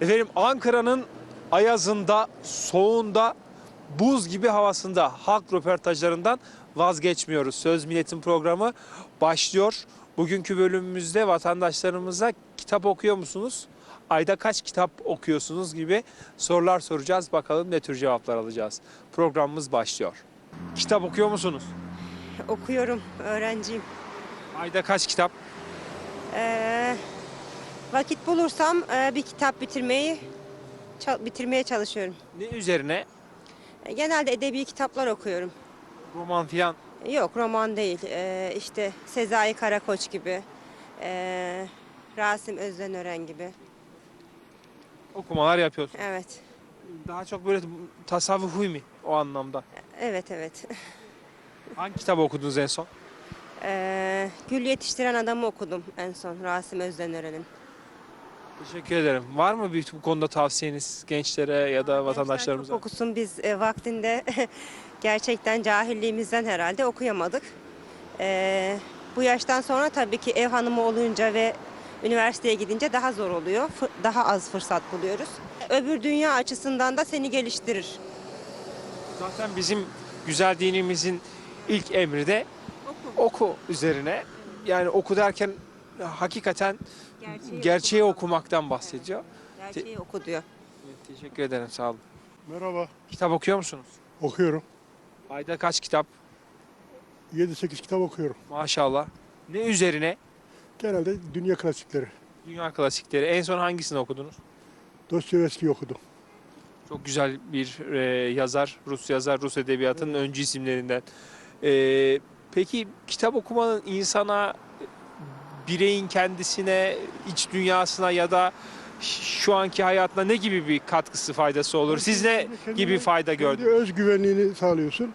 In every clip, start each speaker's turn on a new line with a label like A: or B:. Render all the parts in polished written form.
A: Efendim Ankara'nın ayazında, soğuğunda, buz gibi havasında halk röportajlarından vazgeçmiyoruz. Söz Milletin programı başlıyor. Bugünkü bölümümüzde vatandaşlarımıza kitap okuyor musunuz? Ayda kaç kitap okuyorsunuz gibi sorular soracağız. Bakalım ne tür cevaplar alacağız. Programımız başlıyor. Kitap okuyor musunuz?
B: Okuyorum, öğrenciyim.
A: Ayda kaç kitap?
B: Ee, Vakit bulursam bir kitap bitirmeye çalışıyorum.
A: Ne üzerine?
B: Genelde edebi kitaplar okuyorum.
A: Roman filan
B: Yok, roman değil. İşte Sezai Karakoç gibi, Rasim Özdenören gibi.
A: okumalar yapıyorsunuz.
B: Evet,
A: Daha çok böyle tasavvufi mi o anlamda?
B: evet.
A: Hangi kitap okudunuz en son?
B: Gül Yetiştiren Adamı okudum en son, Rasim Özdenören'in.
A: Teşekkür ederim. Var mı bu konuda tavsiyeniz gençlere ya da
B: Gençler
A: vatandaşlarımıza?
B: çok okusun, biz vaktinde gerçekten cahilliğimizden herhalde okuyamadık. Bu yaştan sonra tabii ki ev hanımı olunca ve üniversiteye gidince daha zor oluyor. Daha az fırsat buluyoruz. Öbür dünya açısından da seni geliştirir.
A: Zaten bizim güzel dinimizin ilk emri de oku üzerine. Yani oku derken hakikaten gerçeği okumaktan bahsediyor.
B: Gerçeği oku diyor.
A: Evet, teşekkür ederim, sağ olun.
C: Merhaba,
A: Kitap okuyor musunuz?
C: okuyorum.
A: Ayda kaç kitap?
C: 7-8 kitap okuyorum.
A: Maşallah. Ne üzerine?
C: Genelde dünya klasikleri.
A: Dünya klasikleri. En son hangisini okudunuz?
C: Dostoyevski'yi okudum.
A: Çok güzel bir yazar, Rus yazar, Rus edebiyatının öncü isimlerinden. Peki kitap okumanın insana, bireyin kendisine, iç dünyasına ya da şu anki hayatına ne gibi bir katkısı, faydası olur? Siz ne gibi fayda
C: Kendi
A: gördünüz?
C: özgüvenliğini sağlıyorsun.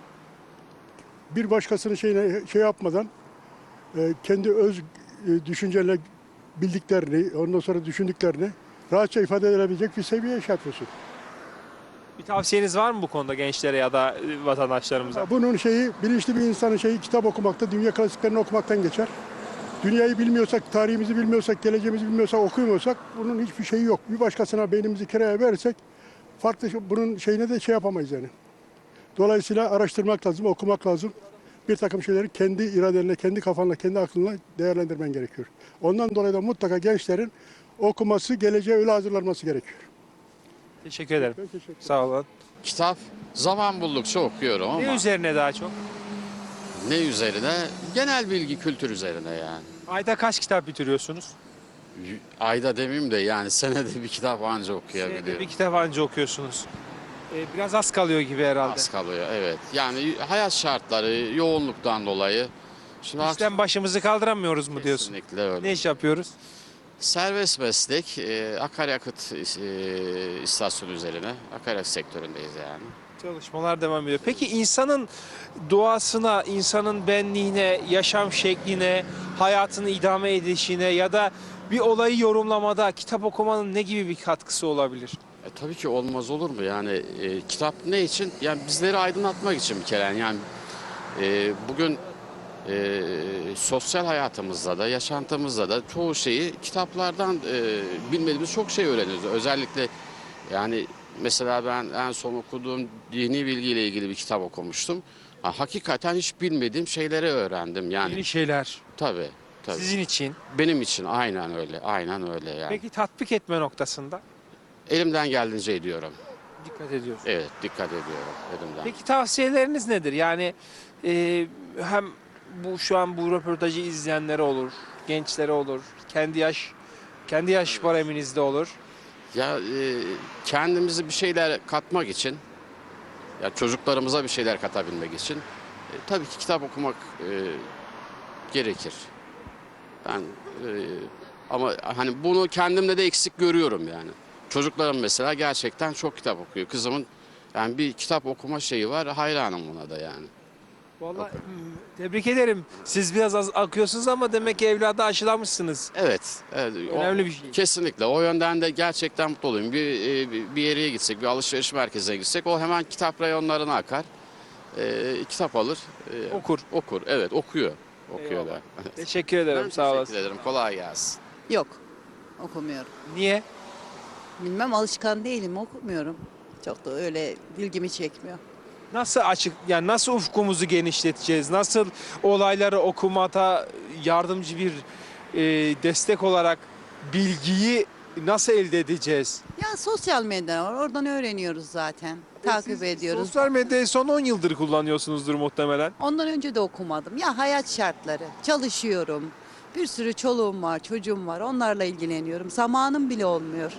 C: Bir başkasının şey yapmadan kendi düşüncelerine bildiklerini, ondan sonra düşündüklerini rahatça ifade edebilecek bir seviyeye şey yapıyorsun.
A: Bir tavsiyeniz var mı bu konuda gençlere ya da vatandaşlarımıza?
C: Bunun bilinçli bir insanın kitap okumakta, dünya klasiklerini okumaktan geçer. Dünyayı bilmiyorsak, tarihimizi bilmiyorsak, geleceğimizi bilmiyorsak, okumuyorsak bunun hiçbir şeyi yok. Bir başkasına beynimizi kiraya verirsek bunun şeyine de yapamayız yani. Dolayısıyla araştırmak lazım, okumak lazım. Bir takım şeyleri kendi iradenle, kendi kafanla, kendi aklınla değerlendirmen gerekiyor. Ondan dolayı da mutlaka gençlerin okuması, geleceğe öyle hazırlanması gerekiyor.
A: Teşekkür ederim.
C: Ben teşekkür ederim.
A: Sağ olun.
D: Kitap zaman buldukça okuyorum ama
A: Ne üzerine daha çok?
D: ne üzerine? Genel bilgi, kültür üzerine yani.
A: Ayda kaç kitap bitiriyorsunuz?
D: Ayda demeyeyim de yani senede bir kitap anca
A: Senede
D: okuyabiliyorum.
A: bir kitap anca okuyorsunuz. Biraz az kalıyor gibi herhalde.
D: Az kalıyor, evet. Yani hayat şartları, yoğunluktan dolayı. Şimdi
A: İşten başımızı kaldıramıyoruz mu diyorsun?
D: kesinlikle öyle.
A: Ne iş yapıyoruz?
D: Serbest meslek, akaryakıt istasyonu üzerine, akaryakıt sektöründeyiz yani.
A: Çalışmalar devam ediyor. Peki insanın doğasına, insanın benliğine, yaşam şekline, hayatını idame edişine ya da bir olayı yorumlamada kitap okumanın ne gibi bir katkısı olabilir?
D: Tabii ki olmaz olur mu? Yani kitap ne için? Yani bizleri aydınlatmak için bir kere. Yani bugün sosyal hayatımızda da, yaşantımızda da çoğu şeyi kitaplardan bilmediğimiz çok şey öğreniyoruz. Özellikle yani mesela ben en son okuduğum dini bilgiyle ilgili bir kitap okumuştum. Hakikaten hiç bilmediğim şeyleri öğrendim. Yani
A: Yeni şeyler
D: tabii.
A: sizin için.
D: Benim için aynen öyle, aynen öyle yani.
A: Peki tatbik etme noktasında
D: Elimden geldiğince ediyorum.
A: dikkat ediyorsunuz.
D: Evet, dikkat ediyorum elimden.
A: Peki tavsiyeleriniz nedir? Yani hem şu an bu röportajı izleyenlere olur, gençlere olur, kendi yaş bareminizde olur.
D: Ya kendimizi bir şeyler katmak için, ya çocuklarımıza bir şeyler katabilmek için tabii ki kitap okumak gerekir. Ben ama hani bunu kendimde de eksik görüyorum yani. Çocuklarım mesela gerçekten çok kitap okuyor. Kızımın yani bir kitap okuma şeyi var. Hayranım buna da yani.
A: Vallahi tebrik ederim. Siz biraz az akıyorsunuz ama demek ki evladı aşılamışsınız.
D: Evet, evet.
A: Önemli bir şey.
D: Kesinlikle. O yönden de gerçekten mutlu olayım. Bir yere gitsek, bir alışveriş merkezine gitsek o hemen kitap reyonlarına akar. Kitap alır. Okur. Evet, okuyor. Okuyor da.
A: Teşekkür ederim.
D: Ben
A: Sağ
D: teşekkür
A: olasın.
D: ederim. Kolay gelsin.
E: Yok, okumuyorum.
A: Niye?
E: Bilmem, alışkan değilim, okumuyorum. Çok da öyle ilgimi çekmiyor.
A: Nasıl açık, yani nasıl ufkumuzu genişleteceğiz? Nasıl olayları okumata yardımcı bir destek olarak bilgiyi nasıl elde edeceğiz?
E: Ya sosyal medya var, oradan öğreniyoruz zaten. Takip
A: Siz
E: ediyoruz.
A: Sosyal medyayı son 10 yıldır kullanıyorsunuzdur muhtemelen.
E: Ondan önce de okumadım. Ya hayat şartları, çalışıyorum. Bir sürü çoluğum var, çocuğum var. Onlarla ilgileniyorum. Zamanım bile olmuyor.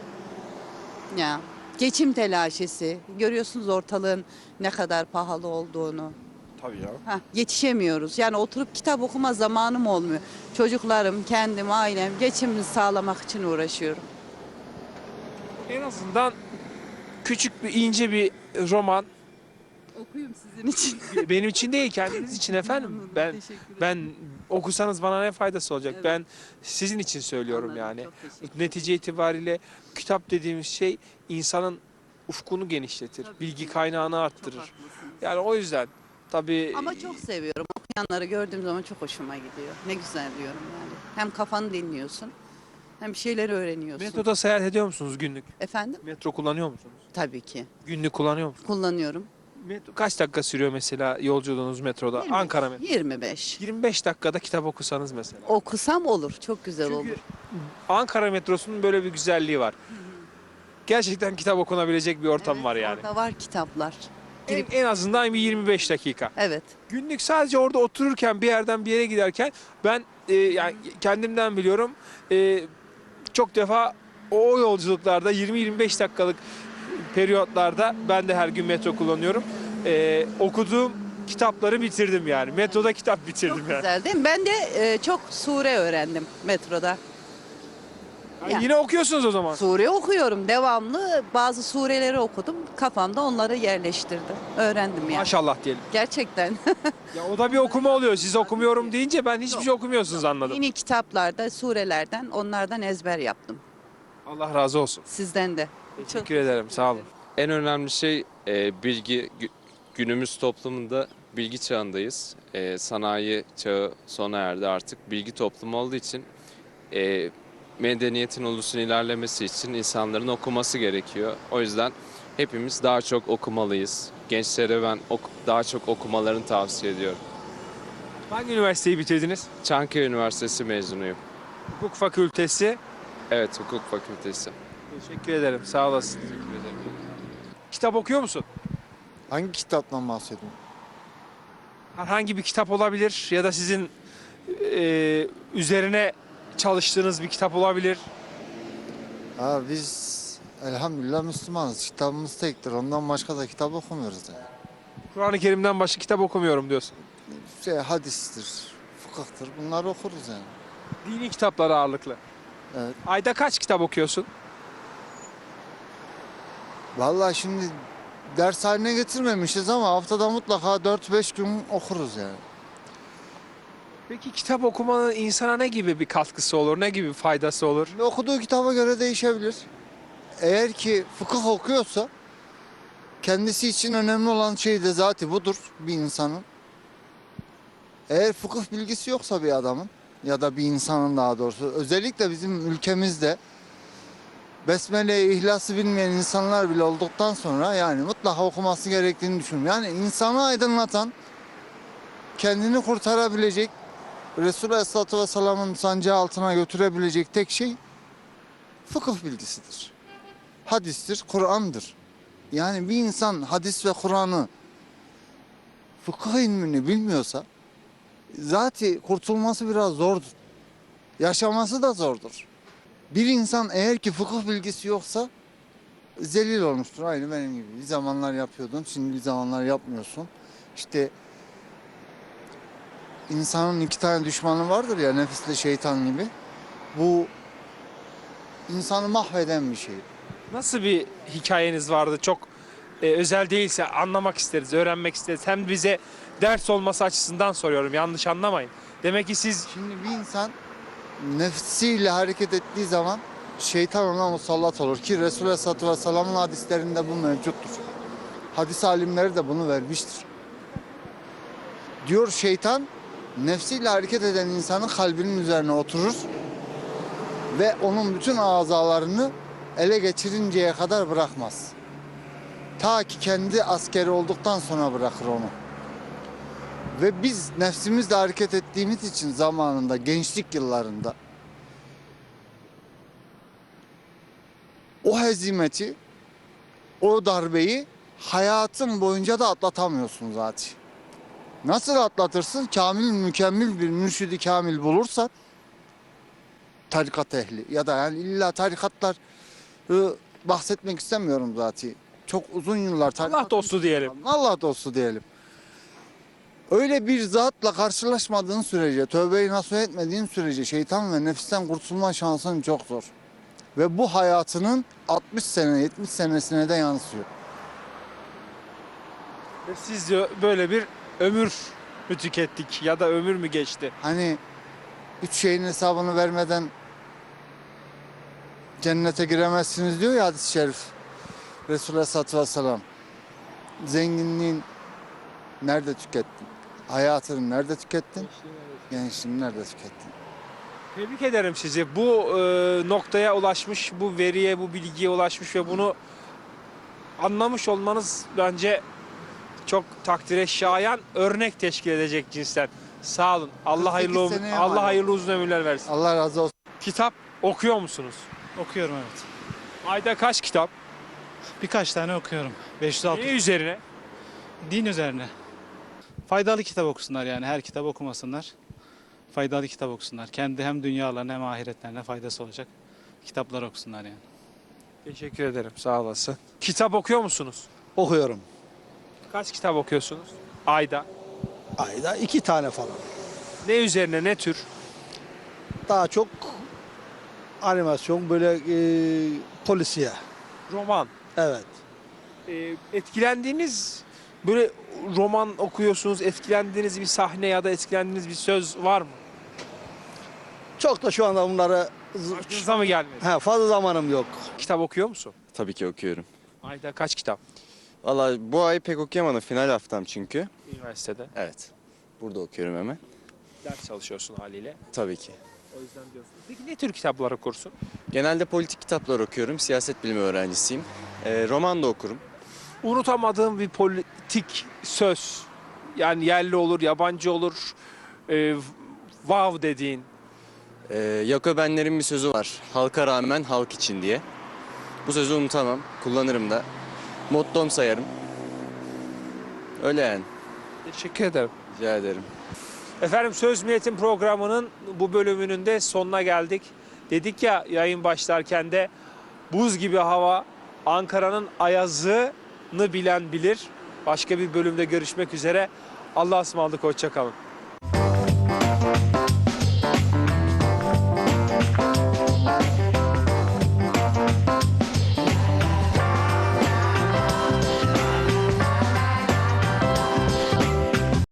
E: Ya geçim telaşesi. Görüyorsunuz ortalığın ne kadar pahalı olduğunu.
A: Tabii ya.
E: Yetişemiyoruz. Yani oturup kitap okuma zamanım olmuyor. Çocuklarım, kendim, ailem geçimini sağlamak için uğraşıyorum.
A: En azından küçük bir ince bir roman
E: Okuyayım sizin için.
A: benim için değil, kendiniz için efendim. Ben okusanız bana ne faydası olacak?
E: Evet.
A: Ben sizin için söylüyorum
E: Anladım,
A: yani.
E: çok teşekkür ederim.
A: Netice itibariyle kitap dediğimiz şey insanın ufkunu genişletir,
E: Tabii
A: bilgi
E: ki.
A: kaynağını
E: Çok
A: arttırır.
E: haklısınız.
A: Yani o yüzden tabii
E: Ama çok seviyorum. Okuyanları gördüğüm zaman çok hoşuma gidiyor. Ne güzel diyorum yani. Hem kafanı dinliyorsun, hem bir şeyler öğreniyorsun.
A: metroda seyahat ediyor musunuz günlük?
E: Efendim?
A: Metro kullanıyor musunuz?
E: Tabii ki.
A: Günlük kullanıyor musunuz?
E: Kullanıyorum.
A: Metro, kaç dakika sürüyor mesela yolculuğunuz metroda?
E: 25.
A: Ankara metro.
E: 25.
A: 25 dakikada kitap okusanız mesela.
E: Okusam olur. Çok güzel
A: Çünkü
E: olur.
A: Ankara metrosunun böyle bir güzelliği var. Gerçekten kitap okunabilecek bir ortam
E: Evet,
A: var yani.
E: Orada var kitaplar.
A: En azından bir 25 dakika.
E: Evet.
A: Günlük sadece orada otururken bir yerden bir yere giderken ben yani kendimden biliyorum çok defa o yolculuklarda 20-25 dakikalık periyotlarda ben de her gün metro kullanıyorum. Okuduğum kitapları bitirdim yani. Metroda kitap bitirdim
E: Çok
A: yani.
E: güzel değil mi? Ben de çok sure öğrendim metroda.
A: Yani yine okuyorsunuz o zaman.
E: Sure okuyorum devamlı. Bazı sureleri okudum. Kafamda onları yerleştirdim. Öğrendim yani.
A: Maşallah diyelim.
E: Gerçekten.
A: Ya o da bir okuma oluyor. Siz okumuyorum deyince ben hiçbir şey okumuyorsunuz anladım.
E: Yeni kitaplarda, surelerden, onlardan ezber yaptım.
A: Allah razı olsun.
E: Sizden de.
A: Teşekkür ederim. Sağ olun.
F: En önemli şey bilgi. Günümüz toplumunda bilgi çağındayız. Sanayi çağı sona erdi artık. Bilgi toplumu olduğu için medeniyetin ulusun ilerlemesi için insanların okuması gerekiyor. O yüzden hepimiz daha çok okumalıyız. Gençlere ben daha çok okumalarını tavsiye ediyorum.
A: Hangi üniversiteyi bitirdiniz?
F: Çankaya Üniversitesi mezunuyum.
A: Hukuk Fakültesi.
F: Evet, hukuk fakültesi.
A: Teşekkür ederim. Sağ olasın. Kitap okuyor musun?
G: Hangi kitaptan bahsediyorsun?
A: Herhangi bir kitap olabilir ya da sizin üzerine çalıştığınız bir kitap olabilir.
G: Biz elhamdülillah Müslümanız. Kitabımız tektir. Ondan başka da kitap okumuyoruz yani.
A: Kur'an-ı Kerim'den başka kitap okumuyorum diyorsun.
G: Hadistir, fıkıhtır. Bunları okuruz yani.
A: Dini kitaplar ağırlıklı.
G: Evet.
A: Ayda kaç kitap okuyorsun?
G: Vallahi şimdi ders haline getirmemişiz ama haftada mutlaka 4-5 gün okuruz yani.
A: Peki kitap okumanın insana ne gibi bir katkısı olur, ne gibi bir faydası olur?
G: Şimdi okuduğu kitaba göre değişebilir. Eğer ki fıkıh okuyorsa kendisi için önemli olan şey de zaten budur bir insanın. Eğer fıkıh bilgisi yoksa bir adamın ya da bir insanın daha doğrusu özellikle bizim ülkemizde Besmele'yi, İhlas'ı bilmeyen insanlar bile olduktan sonra yani mutlaka okuması gerektiğini düşünüyorum. Yani insanı aydınlatan, kendini kurtarabilecek, Resulü Aleyhisselatü Vesselam'ın sancağı altına götürebilecek tek şey fıkıh bilgisidir. Hadistir, Kur'an'dır. Yani bir insan hadis ve Kur'an'ı, fıkıh ilmini bilmiyorsa zaten kurtulması biraz zordur. Yaşaması da zordur. Bir insan eğer ki fıkıh bilgisi yoksa zelil olmuştur. Aynı benim gibi. Bir zamanlar yapıyordun, şimdi bir zamanlar yapmıyorsun. İşte insanın 2 tane düşmanı vardır ya, nefisle şeytan gibi. Bu insanı mahveden bir şey.
A: Nasıl bir hikayeniz vardı? Çok özel değilse anlamak isteriz, öğrenmek isteriz. Hem bize ders olması açısından soruyorum, yanlış anlamayın. Demek ki siz
G: Şimdi bir insan nefsiyle hareket ettiği zaman şeytan ona musallat olur ki Resulü Aleyhisselatü Vesselam'ın hadislerinde bu mevcuttur. Hadis alimleri de bunu vermiştir. Diyor şeytan nefsiyle hareket eden insanın kalbinin üzerine oturur ve onun bütün azalarını ele geçirinceye kadar bırakmaz. Ta ki kendi askeri olduktan sonra bırakır onu. Ve biz nefsimizle hareket ettiğimiz için zamanında, gençlik yıllarında o hezimeti, o darbeyi hayatın boyunca da atlatamıyorsun zaten. Nasıl atlatırsın? Kamil, mükemmel bir mürşidi kamil bulursan, tarikat ehli ya da yani illa tarikatlar bahsetmek istemiyorum zaten. Çok uzun yıllar tarikat.
A: Allah dostu diyelim.
G: Allah dostu diyelim. Öyle bir zatla karşılaşmadığın sürece, tövbeyi nasuh etmediğin sürece şeytan ve nefisten kurtulma şansın çok zor. Ve bu hayatının 60 sene, 70 senesine de yansıyor.
A: Ve siz diyor böyle bir ömür mü tükettik ya da ömür mü geçti?
G: Hani 3 şeyin hesabını vermeden cennete giremezsiniz diyor ya hadis-i şerif. Resulullah Aleyhisselatü Vesselam. Zenginliğin nerede tükettin? Hayatını nerede tükettin? Gençliğini nerede tükettin?
A: Tebrik ederim sizi. Bu noktaya ulaşmış, bu veriye, bu bilgiye ulaşmış ve bunu anlamış olmanız bence çok takdire şayan, örnek teşkil edecek cinsten. Sağ olun. Allah
G: 48
A: hayırlı
G: seneye
A: Allah
G: mal
A: hayırlı uzun ömürler versin.
G: Allah razı olsun.
A: Kitap okuyor musunuz?
H: Okuyorum evet.
A: Ayda kaç kitap?
H: Birkaç tane okuyorum. 500-600
A: Ne üzerine?
H: din üzerine. Faydalı kitap okusunlar yani her kitap okumasınlar. Faydalı kitap okusunlar. Kendi hem dünyalarına hem ahiretlerine faydası olacak kitaplar okusunlar yani.
A: Teşekkür ederim. Sağ olasın. Kitap okuyor musunuz?
I: Okuyorum.
A: Kaç kitap okuyorsunuz? Ayda.
I: Ayda 2 tane falan.
A: Ne üzerine, ne tür?
I: Daha çok animasyon böyle polisiye.
A: Roman.
I: Evet.
A: Etkilendiğiniz böyle roman okuyorsunuz, etkilendiğiniz bir sahne ya da etkilendiğiniz bir söz var mı?
I: Çok da şu anda bunları
A: Aklınıza mı gelmedi?
I: fazla zamanım yok.
A: Kitap okuyor musun?
J: Tabii ki okuyorum.
A: Ayda kaç kitap?
J: Valla bu ay pek okuyamadım. Final haftam çünkü.
A: Üniversitede.
J: Evet. Burada okuyorum hemen.
A: Ders çalışıyorsun haliyle.
J: Tabii ki.
A: O yüzden diyorsun. Peki ne tür kitaplar okursun?
J: Genelde politik kitaplar okuyorum. Siyaset bilimi öğrencisiyim. Roman da okurum.
A: Unutamadığım bir politik söz. Yani yerli olur, yabancı olur. Wow dediğin.
J: Yakobenlerin bir sözü var. Halka rağmen halk için diye. Bu sözü unutamam. Kullanırım da. Mottom sayarım. Öyle yani.
A: Teşekkür ederim.
J: Rica ederim.
A: Efendim Söz Milletin programının bu bölümünün de sonuna geldik. Dedik ya yayın başlarken de buz gibi hava, Ankara'nın ayazını bilen bilir. Başka bir bölümde görüşmek üzere. Allah'a ısmarladık, hoşça kalın.